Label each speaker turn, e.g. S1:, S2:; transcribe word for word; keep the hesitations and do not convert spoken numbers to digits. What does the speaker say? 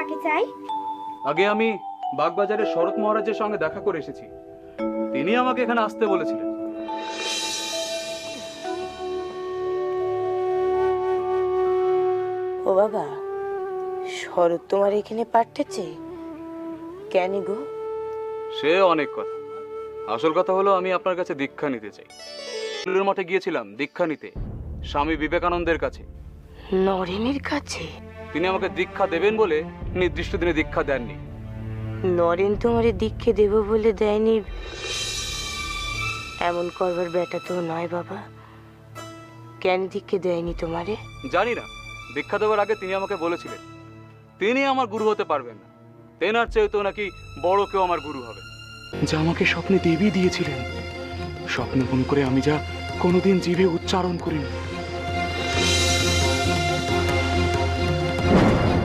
S1: কাকে চাই?
S2: আগে আমি বাগবাজারের শরৎ মহারাজের সঙ্গে দেখা করে এসেছি। তিনি আমাকে এখানে আসতে বলেছিলেন।
S3: ও বাবা, শরৎ তোমার এখানে পাঠাচ্ছে কেন গো?
S2: সে অনেক কথা। আসল কথা হলো আমি আপনার কাছে দীক্ষা নিতে চাই। স্কুলের মাঠে গিয়েছিলাম দীক্ষা নিতে, স্বামী বিবেকানন্দের কাছে।
S3: নরেনের কাছে?
S2: তিনি আমাকে দীক্ষা দেবেন বলে নির্দিষ্ট দিনে দীক্ষা দেননি।
S3: নরেন তোমারে দীক্ষা দেব বলে দেয়নি এমন করবার বেটা তো নয় বাবা। কেন দীক্ষা দেয়নি তোমারে?
S2: জানি না। দীক্ষা দেওয়ার আগে তিনি আমাকে বলেছিলেন তিনি আমার গুরু হতে পারবেন না, তেনার চেয়ে তো নাকি বড় কেউ আমার গুরু হবে। যা আমাকে স্বপ্নে দেবী দিয়েছিলেন, স্বপ্ন মনে করে আমি যা কোনোদিন জিভে উচ্চারণ করিনি।